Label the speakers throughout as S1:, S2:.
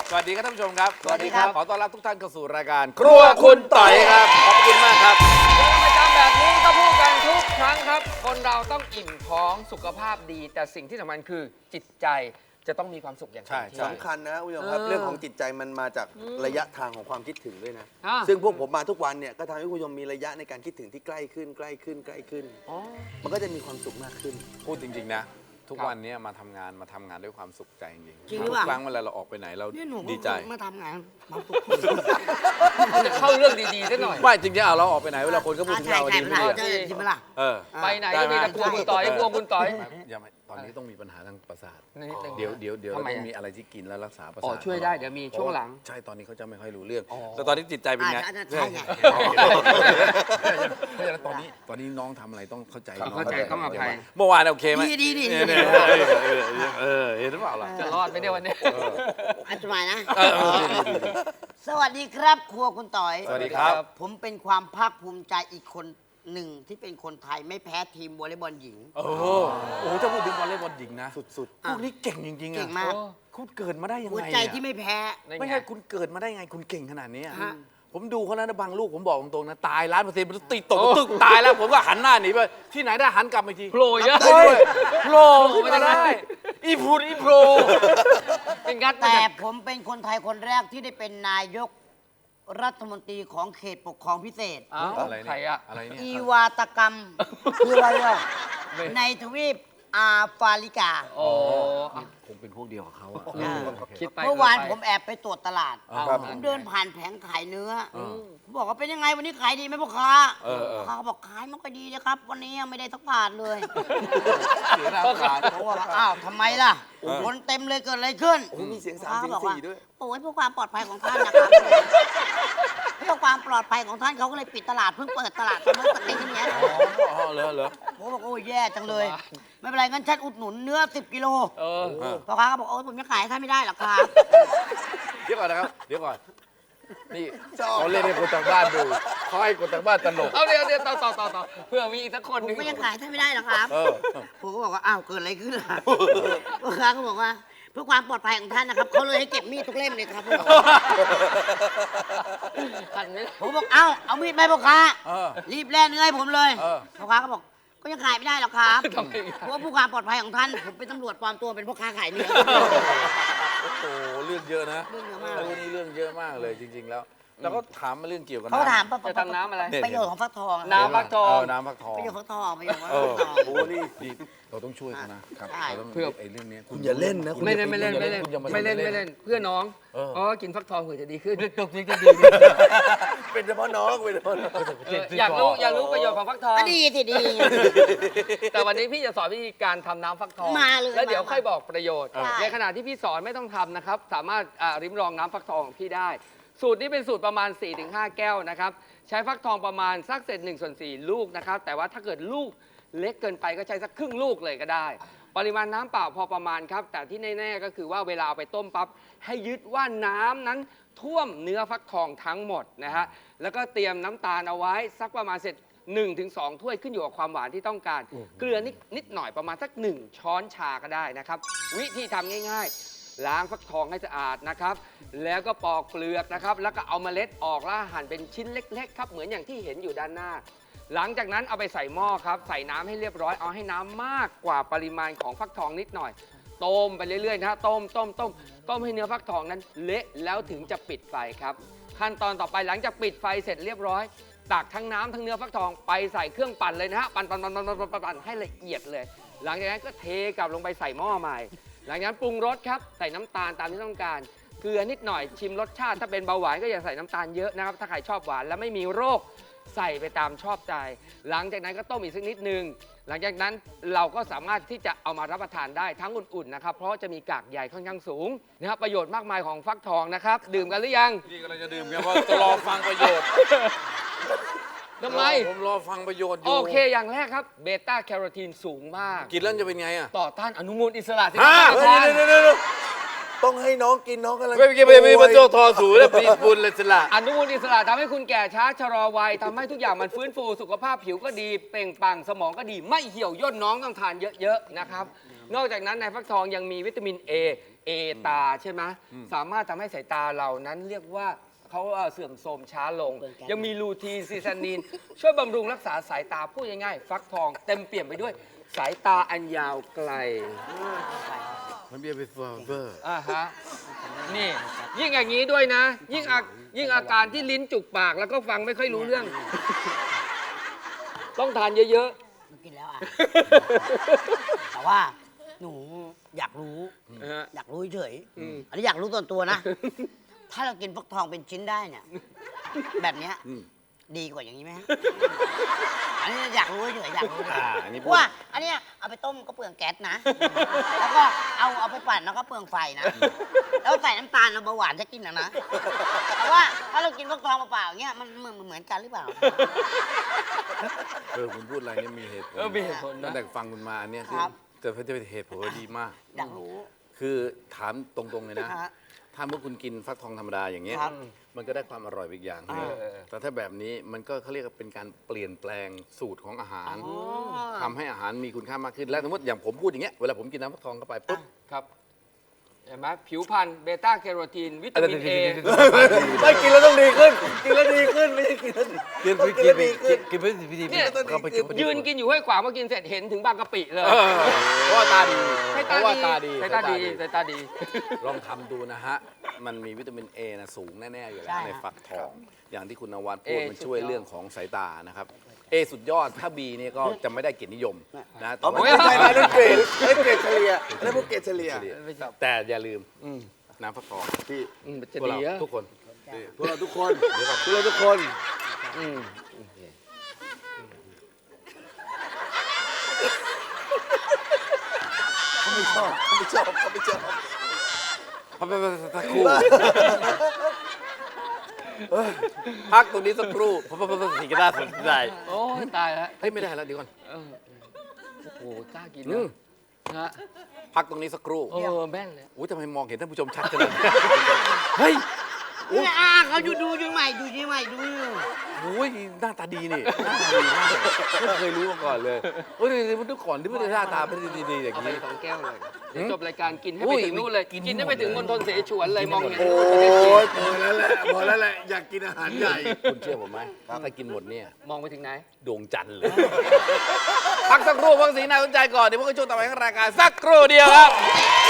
S1: สวัสดีครับท่านผู้ชมครับ
S2: สวัสดีครับ
S1: ขอต้อนรับทุกท่านเข้าสู่รายการครัวคุณต่อยครับ ขอบคุณมากครับ
S2: ประจำแบบนี้ก็พูดกันทุกครั้งครับ คนเราต้องอิ่มท้องสุขภาพดี แต่สิ่งที่สำคัญคือจิตใจจะต้องมีความสุขอย่างเต็มที่
S3: สำคัญนะคุณผู้ชมครับเรื่องของจิตใจมันมาจากระยะทางของความคิดถึงด้วยนะ
S2: อ่า
S3: ซึ่งพวกผมมาทุกวันเนี่ยก็ทำให้คุณผู้ชมมีระยะในการคิดถึงที่ใกล้ขึ้นใกล้ขึ้นใกล้ขึ้น มันก็จะมีความสุขมากขึ้น
S1: พูดจริง ๆ นะ ทุกวันนี้มาทำงานด้วยความสุขใจจริง
S4: จริงห
S1: ๆ
S4: รือ
S1: ทุ
S4: เปล่า
S1: กครั้งเวลาเราออกไปไหนเรา
S4: เนี่ยหนู
S1: ดีใจ
S4: มาทำงานมาฝึก
S2: จะเข้าเรื่องดีๆซะหน่อย
S1: ไม่จริงๆเราออกไปไหนเวลาคนก็พูดถึงเราดีไม่ดี
S4: ใช่ใช่ไหมล่ะ
S1: เออ
S2: ไปไหนก็มีแต่กลัวคุณต่อยกลัวคุณต่อย
S1: อย่ามาตอนนี้ต้องมีปัญหาทางประสาท
S2: นิดนึง
S1: เดี๋ยว
S2: ทำไม
S1: ต้อง
S2: อะ
S1: มีอะไรที่กินแล้วรักษาประ
S2: อ๋
S1: สา
S2: อ
S1: ท
S2: ช่วยได้เดี๋ยวมีช่วงหลัง
S1: ใช่ตอนนี้เขาจะไม่ค่อยรู้เรื่องแต่ตอนนี้จิตใจเป็นไง
S4: ใช่ไง
S1: เพราะฉะนั้นตอนนี้น้องทำอะไรต้องเข้าใจน้อง
S2: เข้าใจต้องอภัย
S1: เมื่อวานโอเคไหม
S4: ดี
S1: เนี่ยเห็นหรือเปล่าล่ะ
S2: จะรอดไหมเนี่ยวันนี้
S4: อันตรายนะ
S1: เออ
S4: สวัสดีครับครัวคุณต่อย
S1: สวัสดีครับ
S4: ผมเป็นความภาคภูมิใจอีกคนหนึ่งที่เป็นคนไทยไม่แพ้ทีมวอลเลย์บอลหญิง
S1: โอ้โหถ้าพูดถึงวอลเลย์บอลหญิงนะ
S3: สุด
S1: พวกนี้เก่งจริงๆ
S4: เก่
S1: อะ
S4: งมาก
S1: คุณเกิดมาได้ยัง
S4: หัว
S1: ไง
S4: ใจ
S1: อะ
S4: ที่ไม่แพ้
S1: ไม่ใช่คุณเกิดมาได้ไงคุณเก่งขนาดนี้อะ
S4: ฮะ
S1: ผมดูเขาแล้วนะบางลูกผมบอกตรงๆนะตาย1,000%มันติดตกตึกตายแล้วผมก็หันหน้าหนีไปที่ไหนได้หันกลับมาอีกที
S2: โผล่เยอะ
S1: เฮ้ยโผล่ขึ้นมาได้อีพูดอีโผล่
S2: เป็นงัด
S4: แต่ผมเป็นคนไทยคนแรกที่ได้เป็นนายกรัฐมนตรีของเขตปกครองพิเศษ
S2: อ้าว
S1: อะไร
S2: ใคร
S1: เนี่ย
S2: อะ
S1: อะไรเนี่ย
S4: อีวาตกรรมคืออะไรอ่ะในทวีปอาฟริกา
S2: โอ้
S1: คงเป็นพวกเดียวกับเขาอะ
S2: คิดไป
S4: เมื่อวาน
S2: ไป
S4: ผมแอบไปตรวจตลาด
S1: ครับ
S4: ผมเดินผ่านแผงขายเนื้ออผมบอกว่าเป็นยังไงวันนี้ขายดีไหมพ่อค้า
S1: เออ
S4: พ่อค้าเขาบอกขายไม่ค่อยดีเลยครับ วันนี้ยังไม่ได้สักบาทเลย
S1: เสียหน้าขาด
S4: ผมบอกว่าอ้าวทำไมล่ะคนเต็มเลยเกิดอะไรขึ้น
S3: โอ้มีเสียง
S4: พ่อค้า
S3: 3 เสียง
S4: บอกว่า
S3: 4ด้วย
S4: โอ้ยเพื่อความปลอดภัยของท่านนะครับ เพื่อความปลอดภัยของท่านเขาก็เลยปิดตลาดเพิ่งเปิดตลาดเมื่อสักปีที่แล้ว
S1: อ๋อเหรอ
S4: ผมบอกโอ้ยแย่จังเลย ไม่เป็นไรงั้นฉันอุดหนุนเนื้อ10 กิโล
S2: เออ
S4: พ่อค้าก็บอกโอ้ยผมจะขายให้ท่านไม่ได้หรอกครับ
S1: เดี๋ยวก่อนนะครับเดี๋ยวก่อนนี่เขาเล่นให้คนทางบ้านดูเขาให้คนทางบ้านตลก
S2: เอาเดี๋ยวต่อเพื่อมีอีกสักคนห
S4: ผ
S2: นึ่
S4: ม
S2: ง
S4: ก็ยังขายท่านไม่ได้หรอกครับ
S1: เออ
S4: ผมก็บอกว่าอ้าวเกิดอะไรขึ้นล่ะพ่อค้าก็บอกว่าเพื่อความปลอดภัยของท่านนะครับเขาเลยให้เก็บมีดทุกเล่มเลยครับ
S2: หันไม่
S4: ผมบอกเอ้าเอามีดไปพ่อค้า
S1: เออ
S4: รีบแล่เนื้อให้ผมเลย
S1: เออ
S4: พ่อค้าก็บอกก็ยังขายไม่ได้หรอกครับ
S2: ทำไมอะ
S4: เพราะว่าผู้ความปลอดภัยของท่านผมเป็นตำรวจปลอมตัวเป็นพ่อค้าขายเนื้อ
S1: โอ้โหเรื่องเยอะนะ
S4: เรื่องเยอะมาก
S1: เรื่องนี้เรื่องเยอะมากเลยจริง ๆ แล้ว แล้วก็ถามมาเรื่องเกี่ยวกับ
S4: เขาถาม
S2: จะทำน้ำอะไร
S4: ประโยชน์ของฟักทองอะ
S2: น้ำฟักทอง
S1: น้ำฟักทอง
S4: ประโยชน์ฟักทองประโยชน์ฟัก
S1: เออ
S4: ทอง
S1: โอ้นี่ดีเราต้องช่วยเขานะครับ
S4: ใช่
S1: เราต้อง
S2: เพื่อ
S1: ไอ้เรื่องนี้
S3: คุณอย่าเล่นนะคุณ
S2: ไม่เล่นไม่เล่น
S1: คุณอย่าา
S2: ไม่เล่นเพื่อน้อง
S1: เออ
S2: อ๋อกินฟักทองเผื่อจะดีขึ้นตกนี้จะดี
S3: เป็นเฉพาะน้องเป็นเฉพาะน้อง
S2: อยากรู้ประโยชน์ของฟักทอง
S4: ก็ดีสิดี
S2: แต่วันนี้พี่จะสอนวิธีการทำน้ำฟักทอง
S4: มาเลย
S2: แล้วเดี๋ยว
S4: มา
S2: ค่อยบอกประโยชน์
S4: ได้
S2: ในขณะที่พี่สอนไม่ต้องทำนะครับ สามารถริมลองน้ำฟักทองของพี่ได้ สูตรนี้เป็นสูตรประมาณ 4-5 แก้วนะครับ ใช้ฟักทองประมาณสักเศษ1/4 ลูกนะครับ แต่ว่าถ้าเกิดลูกเล็กเกินไปก็ใช้สักครึ่งลูกเลยก็ได้ ปริมาณน้ำเปล่าพอประมาณครับ แต่ที่แน่ๆก็คือว่าเวลาเอาไปต้มปั๊บให้ยึดว่าน้ำนั้นท่วมเนื้อฟักทองทั้งหมดนะฮะ แล้วก็เตรียมน้ำตาลเอาไว้สักประมาณเสร็จ 1-2 ถ้วยขึ้นอยู่กับความหวานที่ต้องการ เกลือนิดหน่อยประมาณสัก 1 ช้อนชาก็ได้นะครับ วิธีทำง่ายๆ ล้างฟักทองให้สะอาดนะครับ แล้วก็ปอกเปลือกนะครับ แล้วก็เอาเมล็ดออกแล้วหั่นเป็นชิ้นเล็กๆครับ เหมือนอย่างที่เห็นอยู่ด้านหน้า หลังจากนั้นเอาไปใส่หม้อครับ ใส่น้ำให้เรียบร้อย เอาให้น้ำมากกว่าปริมาณของฟักทองนิดหน่อย ต้มไปเรื่อยๆนะฮะต้มให้เนื้อฟักทองนั้นเละแล้วถึงจะปิดไฟครับ ขั้นตอนต่อไปหลังจากปิดไฟเสร็จเรียบร้อย ตักทั้งน้ำทั้งเนื้อฟักทองไปใส่เครื่องปั่นเลยนะฮะปั่นให้ละเอียดเลย หลังจากนั้นก็เทกลับลงไปใส่หม้อใหม่ หลังจากนั้นปรุงรสครับใส่น้ำตาลตามที่ต้องการเกลือนิดหน่อยชิมรสชาติถ้าเป็นเบาหวานก็อย่าใส่น้ำตาลเยอะนะครับถ้าใครชอบหวานและไม่มีโรคใส่ไปตามชอบใจ หลังจากนั้นก็ต้มอีกสักนิดนึงหลังจากนั้นเราก็สามารถที่จะเอามารับประทานได้ทั้งอุ่นๆนะครับเพราะจะมีกากใยค่อนข้างสูงนะครับประโยชน์มากมายของฟักทองนะครับดื่มกันหรือยัง
S1: นี่กำลังจะดื่มกันว่าจะรอฟังประโยชน์
S2: ทำไม
S1: ผมรอฟังประโยชน์อยู่
S2: โอเคอย่างแรกครับเบต้าแคโรทีนสูงมาก
S1: กินแล้วจะเป็นไงอ่ะ
S2: ต่อต้านอนุมูลอิสระที่
S1: ฮะ
S2: ท่านประธาน
S3: เดี๋ยวต้องให้น้องกินน้องกำลัง
S1: ไม่เกี่ยวไม่มาโจทอสูแล้วปีบุญเลยสละ
S2: อนุมูลอิสระทำให้คุณแก่ช้าชะลอวัยทำให้ทุกอย่างมันฟื้นฟูสุขภาพผิวก็ดีเปล่งปลั่งสมองก็ดีไม่เหี่ยวย่นน้องต้องทานเยอะๆนะครับนอกจากนั้นในฟักทองยังมีวิตามิน A A ตาใช่ไหมสามารถทำให้สายตาเรานั้นเรียกว่าเขาเสื่อมโทรมช้าลง ยังมีลูทีนซีซานีน ช่วยบำรุงรักษาสายตาพูดง่ายๆฟักทองเต็มเปี่ยมไปด้วยสายตาอันยาวไกล
S1: มันเบียร์เป็นเวอร์
S2: ฮะนี่ยิ่งอย่างนี้ด้วยนะ ยิ่งอาการที่ลิ้นจุกปากแล้วก็ฟังไม่ค่อยรู้เรื่อง ต้องทานเยอะ
S4: กินแล้วอ่ะ แต่ว่าหนูอยากรู้
S2: ๆฮะ
S4: อยากรู้เฉยอันนี้อยากรู้ส่วนตัวนะ ถ้าเรากินฟักทองเป็นชิ้นได้เนี่ย แบบเนี้ยดีกว่าอย่างนี้ไหมฮะอันนี้อยากรู้เฉยอยากรู้เฉย
S1: อันนี้
S4: เพราะว่าอันเนี้ยเอาไปต้มก็เปลืองแก๊สนะ แล้วก็เอาไปปั่นแล้วก็เปลืองไฟนะ แล้วใส่น้ำตาลเอาเบาหวานจะกินนะ แต่ว่าถ้าเรากินฟักทองเปล่าๆอย่างเงี้ยมันเหมือนกันหรือเปล่า
S1: คุณพูดอะไรเนี่ยมีเหตุผล
S2: มีเหตุผล
S1: ตั้
S2: นะ
S1: งแต่ฟังคุณมาเนี่ย
S4: ครับ
S1: แต่เพื่อจะเป็นเหตุผลดีมาก
S4: อยากรู้
S1: คือถามตรงๆเลยนะ
S4: ฮะ
S1: ถ้าเมื่อคุณกินฟักทองธรรมดาอย่างเงี้ย
S4: ครับ
S1: มันก็ได้ความอร่อยไปอีกอย่างหนึ่งแต่ถ้าแบบนี้มันก็เขาเรียกว่าเป็นการเปลี่ยนแปลงสูตรของอาหารทำให้อาหารมีคุณค่ามากขึ้น และสมมติอย่างผมพูดอย่างเงี้ย เวลาผมกินน้ำฟักทองเข้าไปปุ๊บ
S2: ครับเห็นไหมผิวพรรณเบต้าแคโรทีน วิตามินเอ
S3: ไม่กินแล้วต้องดีขึ้น กินแล้วดีขึ้น ไม่ใช่กินแล้วดี
S1: กิน
S3: ต้องกินแล้วดีขึ้น
S1: กินไปพิธี
S2: เนี่ย
S1: เข้าไปกินไป
S2: ยืนกินอยู่ห้วยขวางมากินเสร็จเห็นถึงบางกะปิเลย
S1: เพราะว่าตาดี
S2: ให้
S1: เพราะว่าตาดี
S2: สายตาดีสายตาดี
S1: ลองทำดูนะฮะ มันมีวิตามินเอนะสูงแน่ ๆ อยู่แล้
S4: ใช่
S1: วใน
S4: ครับ
S1: ฟักทอง อย่างที่คุณนวัดพูด
S2: A
S1: มันช่วย
S2: สุดยอด
S1: เรื่องของสายตานะครับเอสุดยอดถ้าบีเนี่ยก็จะไม่ได้เกียรตินิยมนะแต่
S3: เอา
S1: ว่า
S3: ไม่ใช่นะนั่นเกรดเฉลี่ยนั่นพวกเกรดเฉลี่ย
S1: แต่อย่าลืมน้ำฟักทอง
S3: พี่
S2: มันจะ
S1: พวก
S2: ดี
S1: เรา
S2: อะ
S1: ทุกคน
S3: พวกเราทุกคนพวกเราทุกคน
S2: อืม
S3: เขาไม่ชอบเขาไม่ชอบเขาไม่ชอบ
S1: สักครู่พักตรงนี้สักครู่เพราะสิ่งที่น่าสนใจ
S2: โอ้ยตายแล้ว
S1: เฮ้ยไม่ได้แล้วเดี๋ยวก่อน
S2: เออโอ้โหกล้ากิน
S1: อื
S2: นะ
S1: ม
S2: ฮะ
S1: พักตรงนี้สักครู่
S2: แม่นเลย
S1: อุ้ยทำไมมองเห็นท่านผู้ชมชัดจังเลยเฮ้ย
S4: เนี่ยเขาอยู่ดูยังใหม่ดูยังใหม่ดูอยู่
S1: โอ้ยหน้าตาดีนี่หน้าตาดีมากไม่เคยรู้มาก่อนเลยเฮ้ยมันทุกก่อนที่ไม่ได้หน้าตาเป็นดีๆอย่าง
S2: เอาไป
S1: นี้
S2: 2 แก้วเลยเดี๋ยวจบรายการกินให้
S1: อุ้
S2: ไป
S1: ย
S2: ถึงนู่นเลย
S1: กิน
S2: กินให้ไปถึงมณฑลเสฉวนเลยมองเห็น
S3: โอ้ยพอแล้วแหละพอแล้วแหละอยากกินอาหารใหญ่
S1: คุณเชื่อผมไหมถ้ากินหมดเนี่ย
S2: มองไปถึงไหน
S1: ดวงจันทร์เลย พักสักครู่พักสีน่าสนใจก่อนเดี๋ยวพวกเราช่วงต่อไปของรายการสักครู่เดียวครับ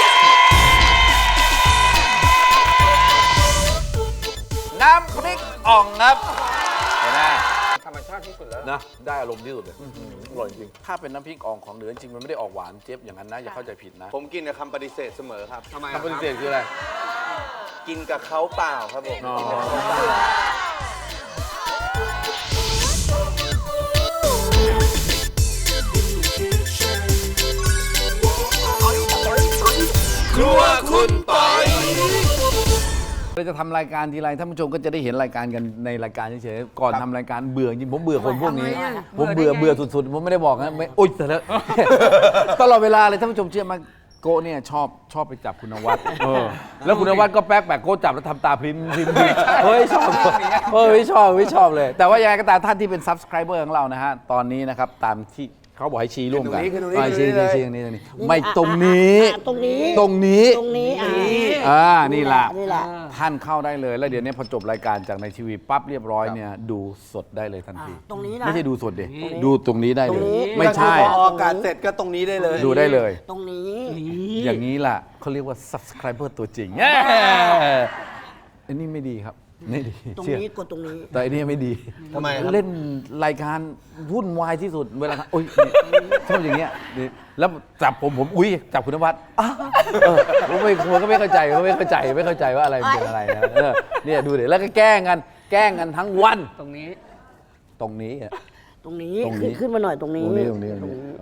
S1: น้ำพริกอ่องครับเห็นไหม
S2: ธรรมชาติที่สุดแล้ว
S1: นะได้อารมณ์ที่สุดเลยอร่อยจริงถ้าเป็นน้ำพริกอ่องของเหนือจริงมันไม่ได้ออกหวานเจี๊ยบอย่างนั้นนะอย่าเข้าใจผิดนะ
S3: ผมกินกับคำปฏิเสธเสมอครับ
S2: ทำไม
S1: คำปฏิเสธคืออะไร
S3: กินกับเขาเปล่าครับผม
S1: อ๋อ
S3: กินกับเขาเปล่า
S1: ครัวคุณปอยเราจะทำรายการทีไรท่านผู้ชมก็จะได้เห็นรายการกันในรายการเฉยๆก่อนทำรายการเบื่อจริงผมเบื่อคนพวกนี้ ผมเบื่อสุดๆผมไม่ได้บอกนะไม่โอ๊ยแต่แล้ว ตลอดเวลาเลยท่านผู้ชมเชื่อไหมโกะเนี่ยชอบไปจับคุณนวัดแล้วคุณนวัดก็แป๊กโกะจับแล้วทำตาพริมเฮ้ยชอบไม่ชอบเลย แต่ว่ายังไงก็ตามท่านที่เป็น subscriber ของเรานะฮะตอนนี้นะครับตามที่เขาบอกให้ชี้ร่วมกัน
S3: ขึ้นตรงนี้
S1: ชี้
S3: เลย
S1: ตรงนี้ไม่ตรงนี้
S4: ตรงนี้
S1: ตรงนี้
S4: ตรงนี้
S1: นี่แหละ
S4: นี่แหละ
S1: ท่านเข้าได้เลย แล้วเดี๋ยวนี้พอจบรายการจากในทีวีปั๊บเรียบร้อยเนี่ยดูสดได้เลยทันที
S4: ตรงนี้นะ
S1: ไม่ใช่ดูสดดิดูตรงนี้ได้เลย
S4: ตรงนี้
S1: ไม่ใช่
S3: พอออกอากาศเสร็จก็ตรงนี้ได้เลย
S1: ดูได้เลย
S4: ตรงนี้
S1: อย่างนี้ล่ะเขาเรียกว่า subscriber ตัวจริงอันนี้ไม่ดีครับไม่ดี
S4: ตรง
S1: เชื่อ
S4: นี้กดตรงนี้
S1: แต่อันนี้ไม่ดี
S3: ทำไมครับ
S1: เล่นรายการวุ่นวายที่สุดเวลาโอ๊ยชอบอย่างเงี้ยนี่แล้วจับผมอุ้ยจับคุณนวัดผมก็ไม่เข้าใจไม่เข้าใจว่าอะไรมันเป็นอะไรนะเนี่ยดูเดี๋ยวแล้วก็แกล้งกันทั้งวัน
S2: ตรงนี้
S1: ตรงนี้
S4: ตรงนี้
S1: ตรงนี้
S4: ขึ้นมาหน่อยตรงนี้
S1: ตรงนี้